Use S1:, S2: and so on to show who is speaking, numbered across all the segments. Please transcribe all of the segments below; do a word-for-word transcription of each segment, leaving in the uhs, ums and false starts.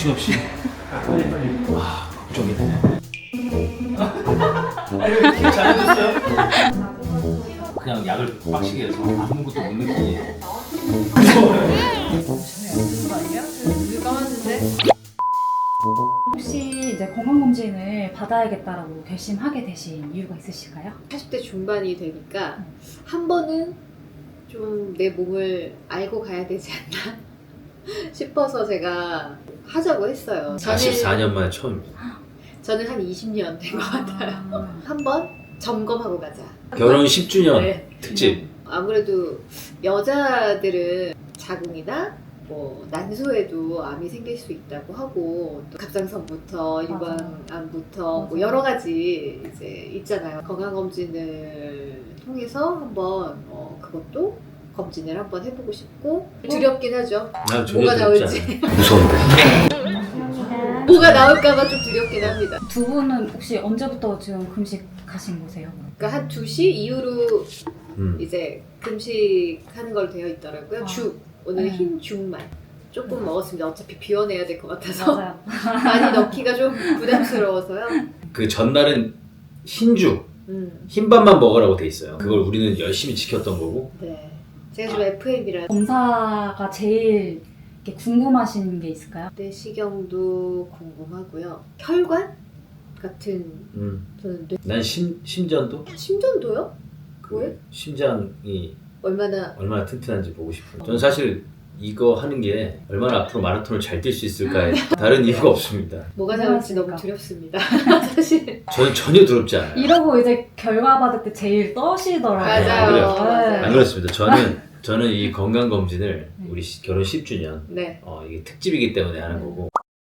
S1: 정신없이. 빨리 빨리. 와, 걱정이네. 아니, 잘해줬어요? 그냥 약을 빡시게 해서 아무것도 못 느끼게.
S2: 혹시 이제 건강검진을 받아야겠다라고 결심하게 되신 이유가 있으실까요?
S3: 사십 대 중반이 되니까 한 번은 좀 내 몸을 알고 가야 되지 않나 싶어서 제가 하자고 했어요.
S1: 사십사 년 만에 처음입니다.
S3: 저는 한 이십 년 된 것 같아요. 한번 점검하고 가자.
S1: 결혼 십 주년
S3: 네.
S1: 특집.
S3: 아무래도 여자들은 자궁이나 뭐 난소에도 암이 생길 수 있다고 하고 또 갑상선부터 유방암부터 뭐 여러 가지 이제 있잖아요. 건강검진을 통해서 한번 어, 그것도 검진을 한번 해보고 싶고 두렵긴 하죠.
S1: 난 전혀
S3: 뭐가
S1: 두렵지
S3: 나올지.
S1: 않아요. 무서운데.
S3: 뭐가 나올까봐 좀 두렵긴 합니다.
S2: 두 분은 혹시 언제부터 지금 금식하신 거세요?
S3: 그러니까 한 두 시 이후로
S1: 음.
S3: 이제 금식하는 걸로 되어 있더라고요.
S2: 아.
S3: 죽. 오늘
S2: 네.
S3: 흰 죽만 조금 먹었습니다. 어차피 비워내야 될 것 같아서
S2: 맞아요.
S3: 많이 넣기가 좀 부담스러워서요.
S1: 그 전날은 흰죽,
S3: 음,
S1: 흰밥만 먹으라고 돼 있어요. 그걸 우리는 열심히 지켰던 거고.
S3: 네. 제가 좀 에프엠이라
S2: 검사가 제일 이렇게 궁금하신 게 있을까요?
S3: 내시경도 궁금하고요. 혈관 같은
S1: 음.
S3: 저는 뇌...
S1: 난 심, 심전도?
S3: 심전도요?
S1: 그
S3: 왜?
S1: 심장이
S3: 얼마나
S1: 얼마나 튼튼한지 보고 싶어요. 저는 사실 이거 하는 게 얼마나 앞으로 마라톤을 잘 뛸 수 있을까에 다른 이유가 없습니다.
S3: 뭐가 나올지 너무 두렵습니다. 사실
S1: 저는 전혀 두렵지 않아요.
S2: 이러고 이제 결과 받을 때 제일 떠시더라고요.
S3: 맞아요.
S1: 안 그래요?
S3: 맞아요.
S1: 안 그렇습니다. 저는 저는 이 건강 검진을 우리 시- 결혼 십 주년
S3: 네.
S1: 어, 이게 특집이기 때문에 하는 거고.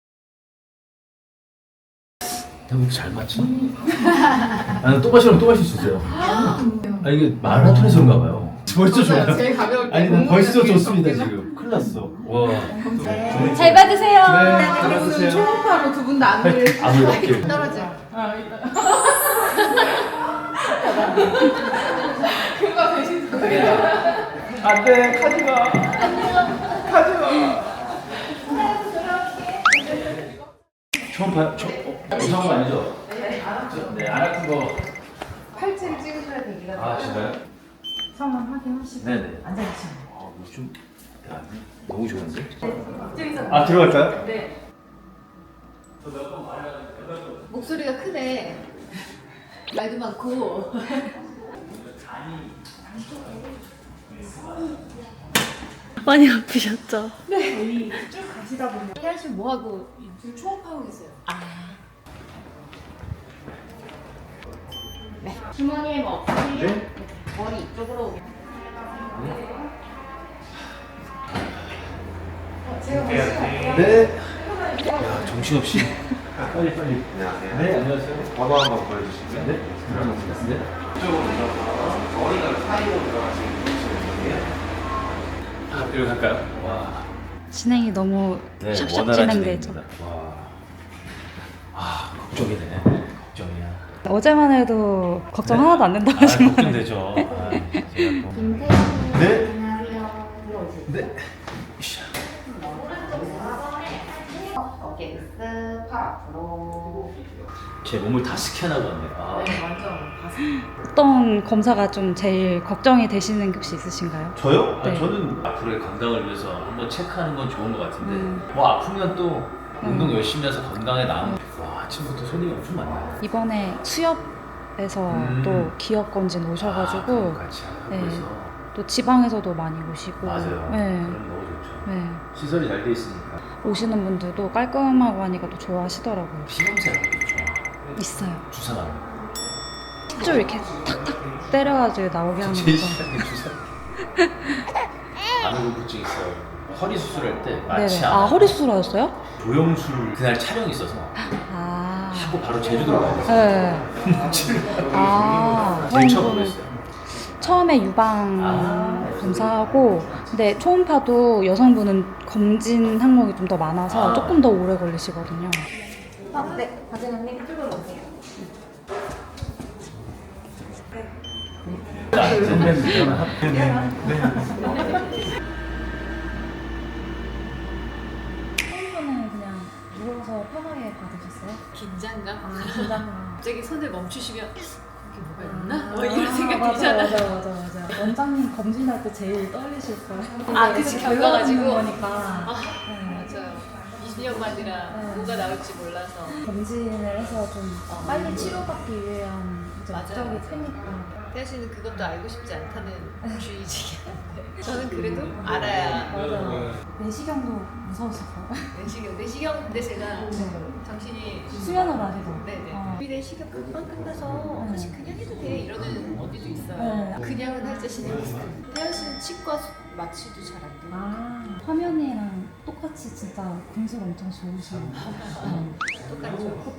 S1: 형 이거 잘 맞지? 나는 또 마시면 또 마실 수 있어요. 아 이게 마라톤에서 그런가 봐요. 벌써 좋아요.
S3: 제일 가벼울 때
S1: 아니 난 벌써
S3: 공복이
S1: 좋습니다
S3: 있었구나.
S1: 지금. 큰일 났어. 와.
S2: 잘 받으세요.
S1: 네, 잘 받으세요.
S4: 초음파로 두 분 다 안을
S1: 아무 이렇게.
S3: 떨어져.
S4: 그거 되신 거예요.
S1: 안돼 가지마. 초음파 초 어, 이상한 거 아니죠? 네, 안 아픈 거.
S4: 팔찌를 찍으셔야 되기가
S1: 아 진짜요?
S2: 성함 확인하시고
S1: 네네.
S2: 앉아계시면
S1: 아, 이거 좀 야, 너무 좋은데?
S2: 돼요.
S1: 아 들어갈까요?
S2: 네.
S3: 목소리가 크네. 말도 많고.
S5: 많이 아프셨죠?
S2: 저희 쭉 가시다 보면
S3: 혜연 씨 뭐 하고 지금 초음파하고 계세요?
S2: 주머니에 뭐 없으세요?
S1: 네?
S2: 머리 이쪽으로 오면
S1: 네. 야 정신없이. 빨리 빨리.
S6: 안녕하세요.
S1: 네 안녕하세요.
S6: 번호 한번 보여주시면
S1: 네. 네.
S6: 이쪽으로 오셔서 머리가 사이로 들어가시는 분이에요.
S1: 아 여기 갈까요? 와.
S2: 진행이 너무
S1: 네
S2: 샵샵
S1: 원활한
S2: 진행되죠.
S1: 진행입니다. 와. 아 걱정이네. 걱정이야.
S2: 어제만 해도 걱정
S1: 네?
S2: 하나도 안 된다고
S1: 아
S2: 하시는
S1: 걱정되죠. 아, 제가 또. 네. 네.
S4: 어깨 으쓱, 팔 앞으로.
S1: 제 몸을 다 스캔하겠네. 아.
S4: 완전
S2: 어떤 검사가 좀 제일 걱정이 되시는 게 혹시 있으신가요?
S1: 저요?
S2: 네.
S1: 아, 저는 앞으로의 건강을 위해서 한번 체크하는 건 좋은 것 같은데
S2: 음.
S1: 뭐 아프면 또 운동
S2: 음.
S1: 열심히 해서 건강에 나은 와 아침부터 손님이 엄청 많네요.
S2: 이번에 수협에서
S1: 음.
S2: 또 기업 검진
S1: 아,
S2: 오셔가지고
S1: 그럼 같이 하고
S2: 네.
S1: 해서
S2: 또 지방에서도 많이 오시고
S1: 맞아요.
S2: 네.
S1: 그럼 너무 좋죠.
S2: 네.
S1: 시설이 잘 돼 있으니까
S2: 오시는 분들도 깔끔하고 하니까 또 좋아하시더라고요.
S1: 피냄새가 좋죠.
S2: 있어요.
S1: 주사 맞는 거.
S2: 쭉 이렇게 탁탁 때려가지고 나오게 하는
S1: 제일
S2: 거.
S1: 싫은 게 주사. 안구부증 있어요. 허리 수술할 때 마취
S2: 네네.
S1: 안
S2: 아
S1: 하고
S2: 허리 수술하셨어요?
S1: 조영술 그날 촬영이 있어서
S2: 아.
S1: 하고 바로 제주도로 가야 됐어요.
S2: 네. 아.
S1: 제일
S2: 그럼
S1: 처음
S2: 뭐
S1: 그랬어요.
S2: 처음에 유방
S1: 아.
S2: 검사하고 근데 초음파도 여성분은 검진 항목이 좀 더 많아서
S1: 아.
S2: 조금 더 오래 걸리시거든요.
S4: 아, 네. 과장님 이쪽으로 오세요.
S2: 초음파는 그냥
S3: 긴장감.
S2: 아, 긴장감.
S3: 갑자기 손을 멈추시면 이게 뭐가 있나? 뭐
S2: 아,
S3: 이런 생각
S2: 맞아,
S3: 들잖아.
S2: 맞아, 맞아, 맞아. 원장님 검진할 때 제일 떨리실 거예요.
S3: 아, 그치, 겪어가지고.
S2: 거니까.
S3: 아,
S2: 네.
S3: 맞아요. 이십 년 만이라
S2: 네.
S3: 뭐가 나올지 몰라서.
S2: 검진을 해서 좀 빨리 치료받기 위한 이제
S3: 맞아요,
S2: 목적이
S3: 맞아요.
S2: 크니까.
S3: 태아 씨는 그것도 알고 싶지 않다는 주의지긴 한데 저는 그래도 알아야
S2: 맞아요. 내시경도 무서우실까요?
S3: 내시경 내시경 근데 제가
S2: 네.
S3: 정신이
S2: 수면을 하시고.
S3: 네네
S2: 어.
S3: 우리 내시경 금방 끝나서
S2: 네.
S3: 사실 그냥 해도 돼 이러는 언니도 있어요.
S2: 네.
S3: 그냥은 할 자신이 없어요. 태아 씨는 치과 수- 마취도 잘 안 돼요.
S2: 아, 화면이랑 똑같이 진짜 공술 엄청 좋으시고.
S3: 똑같죠.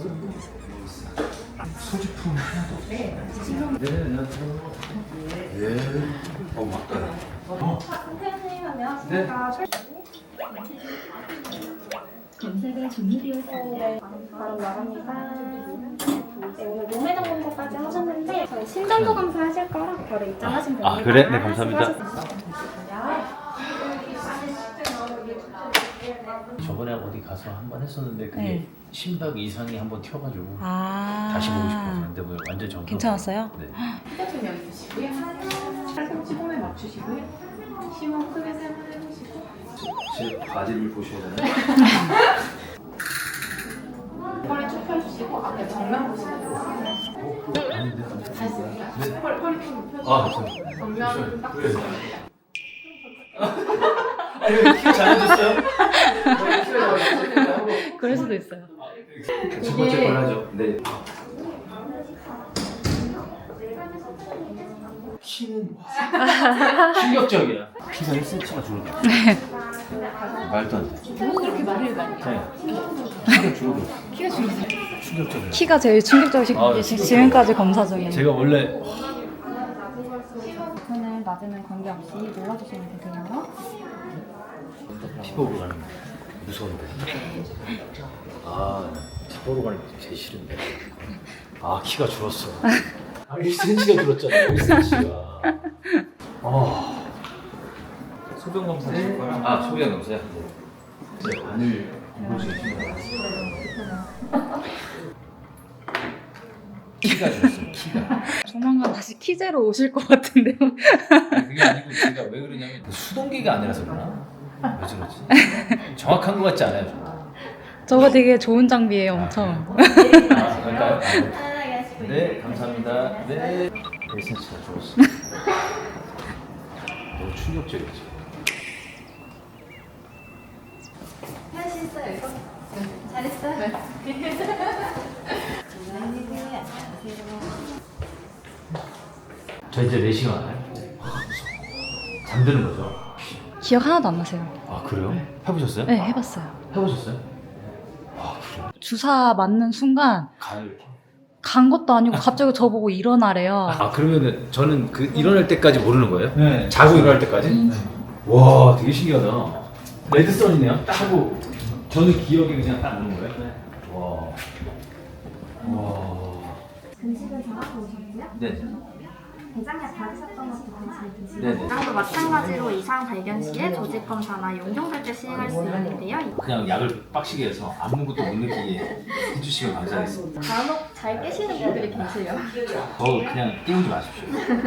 S1: 소지품 하나도 없어요. 네, 안녕하세요. 예. 어, 맞다. 어.
S4: 선생님 안녕하십니까. 검사가 종료되었습니다. 바로 나갑니다. 네, 오늘 몸매장 검사까지 하셨는데 저희 심전도 검사 하실 거랑 바로 입장하시면 됩니다.
S1: 아, 그래? 네, 감사합니다. 저번에 어디 가서 한 번 했었는데 그게
S2: 네.
S1: 심박 이상이 한 번 튀어가지고
S2: 아.
S1: 다시 보고 싶어서 근데 뭐 완전 정상.
S2: 괜찮았어요?
S1: 네.
S4: 휴대폰 여기 있으시고요. 팔꿈치 홈에 맞추시고요. 심호흡 크게 세 번 해보시고
S1: 제 바디를 보셔야 되나요?
S4: 허리 쭉 펴주시고 앞에 정면 보시면 돼요.
S1: 어? 아닌데. 네.
S4: 허리, 허리 좀 펴주시고
S1: 아, 감사합니다.
S4: 정면 딱
S1: 그래. 아니, 왜 키가 작아졌어요? 키가 작아졌어요?
S2: 그럴 수도 있어요.
S1: 첫 번째 걸 하죠. 네. 키는 와, 충격적이야. 키가 일 센티미터가 줄어들어. 말도 안 돼.
S3: 뭐 그렇게 말을 많이
S1: 네. 키가 줄어들어.
S3: 키가 줄어들어요.
S1: 충격적이야.
S2: 키가 제일 충격적이신
S1: 아,
S2: 게 지금까지 검사 중에.
S1: 제가 원래
S2: 손을 맞으면 관계없이 눌러주시면 되세요.
S1: 피 보러 가는 거 무서운데. 아, 피 보러 가는 게 제일 싫은데. 아, 키가 줄었어. 아, 일 센티미터가 줄었잖아. 일 센티미터가. 아. 소변 검사 하실 거야? 아, 소변 검사요? 네. 제 바늘 보시겠습니다. 키가 줄었어요. 키가.
S2: 조만간 다시 키제로 오실 것 같은데요.
S1: 아니, 그게 아니고 제가 왜 그러냐면 수동기가 아니라서 그러나? 왜 저러지? 정확한 것 같지 않아요? 저는?
S2: 저거 되게 좋은 장비예요, 엄청.
S1: 아, 그럴까요? 아, 네, 감사합니다. 네. 일 센티미터가 줄었어. 너무 충격적이지.
S3: 할 수 있어요 이거? 잘했어요? 네.
S1: 저 이제 네 시간 하나요? 잠드는 거죠?
S2: 기억 하나도 안 나세요.
S1: 아, 그래요? 해보셨어요?
S2: 네, 해봤어요.
S1: 해보셨어요? 아, 그래요?
S2: 주사 맞는 순간
S1: 가요, 이렇게.
S2: 간 것도 아니고 갑자기 저보고 일어나래요.
S1: 아, 그러면은 저는 그 일어날 때까지 모르는 거예요?
S7: 네.
S1: 자고 일어날 때까지? 와, 되게 신기하다. 레드선이네요? 딱 하고 저는 기억이 그냥 딱 오는 거예요? 네. 와. 와.
S8: 음식을 잡아서 오셨고요.
S1: 네.
S8: 대장약 받으셨던 것도 같이 드시고
S1: 네네.
S8: 이랑도 마찬가지로 이상 발견 시에 조직 검사나 용종될 때 시행할 수 있는데요.
S1: 그냥 약을 빡시게 해서 아무것도 못 느끼게 해주시면 감사하겠습니다.
S8: 간혹 잘 깨시는 분들이 계세요.
S1: 저 그냥 깨우지 마십시오.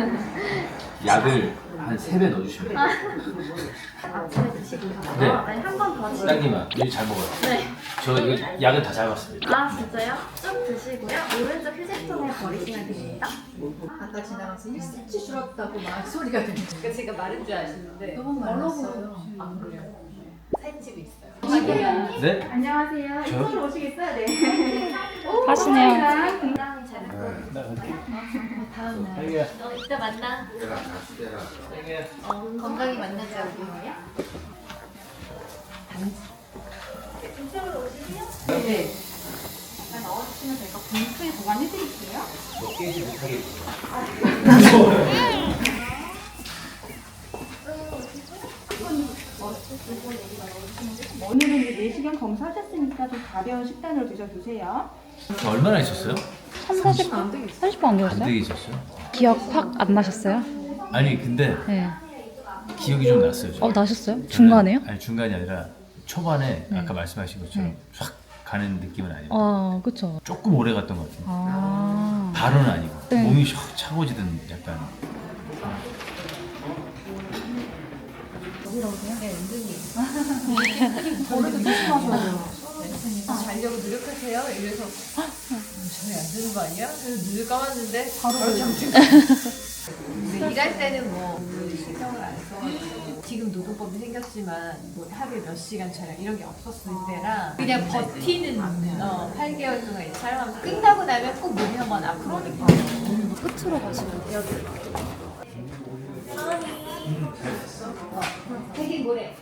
S1: 약을 한 세 배 넣어주시면 돼요.
S8: 아침에 드시고 나서
S1: 네.
S8: 한번 더 드시고
S1: 딸기만 일 잘 먹어요.
S8: 네.
S1: 저 이거 약은 다 잘 봤습니다.
S8: 아 진짜요? 쭉 드시고요. 오른쪽 휴지통에 버리시면 됩니다.
S3: 아까 지나가서 일 센티미터 줄었다고 막 소리가 들리죠. 그러니까 제가 마른 줄 아시는데
S2: 너무 말랐어요.
S3: 안 그래요. 살집이 있어요.
S1: 네?
S8: 안녕하세요.
S1: 저요?
S8: 이쪽으로 오시겠어요? 네.
S2: 하시네요.
S8: 굉장히 잘
S1: 딸기야.
S3: 너 이따 만나.
S1: 딸기야.
S3: 어, 건강히 만나자 우리.
S4: 네. 넣어주시면 저희가 봉투에 보관해드릴게요.
S1: 너 깨지 못하게 해주세요.
S9: 오늘은 이제 내시경 검사하셨으니까 좀 가벼운 식단으로 드셔주세요.
S1: 저 얼마나 있었어요?
S2: 삼, 사십 분? 사십 분 안
S1: 안
S2: 되었어요?
S1: 되게 있었어요?
S2: 기억 확 안 나셨어요?
S1: 아니 근데
S2: 네.
S1: 기억이 좀 났어요. 저는.
S2: 어, 나셨어요? 중간에요?
S1: 아니 중간이 아니라 초반에
S2: 네.
S1: 아까 말씀하신 것처럼
S2: 네.
S1: 확 가는 느낌은 아니고
S2: 아, 그쵸.
S1: 조금 오래 갔던 것 같아요.
S2: 아.
S1: 바로는 아니고
S2: 네.
S1: 몸이 샥 차고지던 약간.
S3: 자려고 노력하세요. 이래서 전혀 안 되는 거 아니야? 그래서 눈을 감았는데 바로 잠들. 근데 일할 때는 뭐 신경을 안 써가지고 지금 노동법이 생겼지만 뭐 하루에 몇 시간 촬영 이런 게 없었을 때랑 그냥 버티는 어, 팔 개월 동안 이제 촬영하면서 끝나고 나면 꼭 몸이 한번 아프거든요.
S2: 끝으로 가시면 돼요.
S3: 되게 뭐래?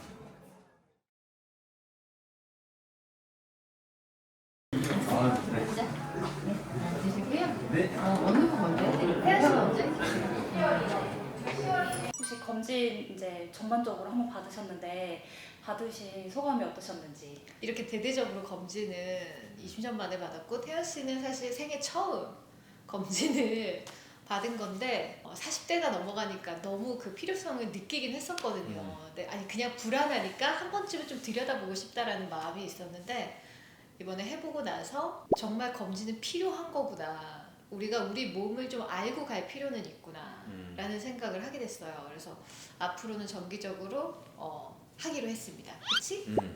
S2: 혹시 검진 이제 전반적으로 한번 받으셨는데 받으신 소감이 어떠셨는지?
S3: 이렇게 대대적으로 검진은 이십 년 만에 받았고 태연 씨는 사실 생애 처음 검진을 받은 건데 어, 사십 대가 넘어가니까 너무 그 필요성을 느끼긴 했었거든요.
S1: 음.
S3: 네, 아니 그냥 불안하니까 한 번쯤은 좀 들여다보고 싶다라는 마음이 있었는데 이번에 해보고 나서 정말 검진은 필요한 거구나. 우리가 우리 몸을 좀 알고 갈 필요는 있구나
S1: 음.
S3: 라는 생각을 하게 됐어요. 그래서 앞으로는 정기적으로 어, 하기로 했습니다. 그치?
S7: 음.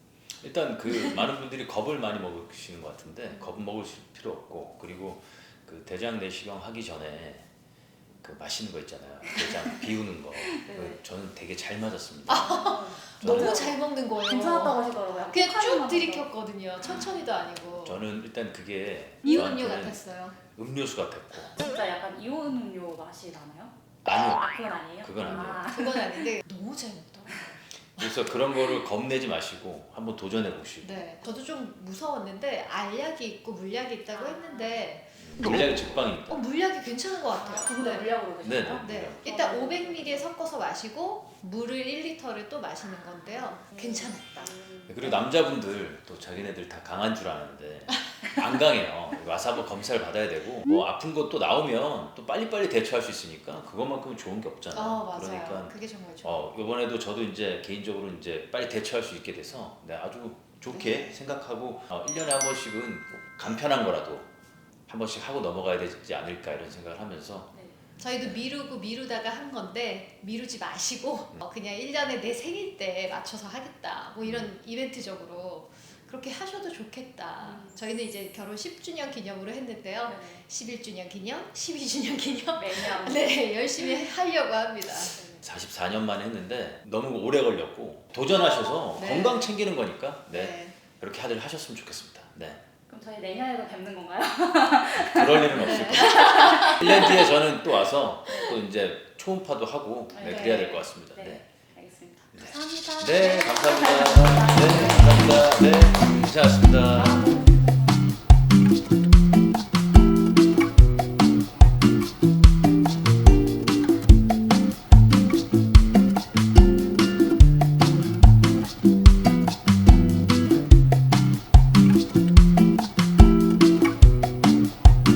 S7: 일단 그 많은 분들이 겁을 많이 먹으시는 것 같은데 겁 먹으실 필요 없고 그리고 그 대장 내시경 하기 전에 그 마시는 거 있잖아요. 대장 비우는 거. 그 저는 되게 잘 맞았습니다.
S3: 너무
S7: 저는,
S3: 잘 먹는 거예요.
S2: 괜찮았다고 하시더라고요.
S3: 그냥 쭉
S2: 폭탄만
S3: 들이켰거든요. 천천히도 아니고.
S7: 저는 일단 그게
S3: 이온 음료
S7: 저한테는
S3: 같았어요.
S7: 음료수 같았고
S2: 진짜 약간 이온 음료 맛이 나나요?
S7: 아니요.
S2: 아, 그건 아니에요?
S7: 그건 아니에요.
S2: 아.
S3: 그건 아닌데 너무 잘 먹더라고요.
S7: 그래서 그런 거를 겁내지 마시고 한번 도전해 보시고
S3: 네, 저도 좀 무서웠는데 알약이 있고 물약이 있다고 했는데
S7: 물량이 직방입니다.
S3: 어 물약이 괜찮은 것 같아요.
S2: 그분도
S3: 네.
S2: 물약으로
S7: 네,
S2: 드시나요?
S7: 네.
S3: 네, 일단 오백 밀리리터 섞어서 마시고 물을 일 리터를 또 마시는 건데요. 괜찮았다.
S7: 그리고 남자분들 또 자기네들 다 강한 줄 아는데 안 강해요. 와서 한번 검사를 받아야 되고 뭐 아픈 것도 나오면 또 빨리빨리 대처할 수 있으니까 그것만큼은 좋은 게 없잖아요.
S3: 어 맞아요.
S7: 그러니까
S3: 그게 정말 좋아요.
S7: 어 이번에도 저도 이제 개인적으로 이제 빨리 대처할 수 있게 돼서 네, 아주 좋게 생각하고 어, 일 년에 한 번씩은 간편한 거라도 한 번씩 하고 넘어가야 되지 않을까 이런 생각을 하면서
S3: 저희도 미루고 미루다가 한 건데 미루지 마시고 어, 그냥 일 년에 내 생일 때 맞춰서 하겠다 뭐 이런 이벤트적으로 그렇게 하셔도 좋겠다. 저희는 이제 결혼 십 주년 기념으로 했는데요.
S2: 네.
S3: 십일 주년 기념, 십이 주년 기념
S2: 매년.
S3: 네 열심히 하려고 합니다.
S7: 사십사 년 만에 했는데 너무 오래 걸렸고 도전하셔서
S3: 네.
S7: 건강 챙기는 거니까 네,
S3: 네.
S7: 그렇게 다들 하셨으면 좋겠습니다. 네.
S2: 그럼 저희 내년에도 뵙는 건가요?
S7: 그럴 일은 없을 겁니다. 일 년 뒤에 저는 또 와서 또 이제 초음파도 하고 네,
S2: 네.
S7: 그래야 될 것 같습니다.
S2: 네.
S7: 네.
S2: 알겠습니다.
S7: 네.
S2: 감사합니다.
S7: 네, 감사합니다. 네, 감사합니다. 네, 괜찮았습니다.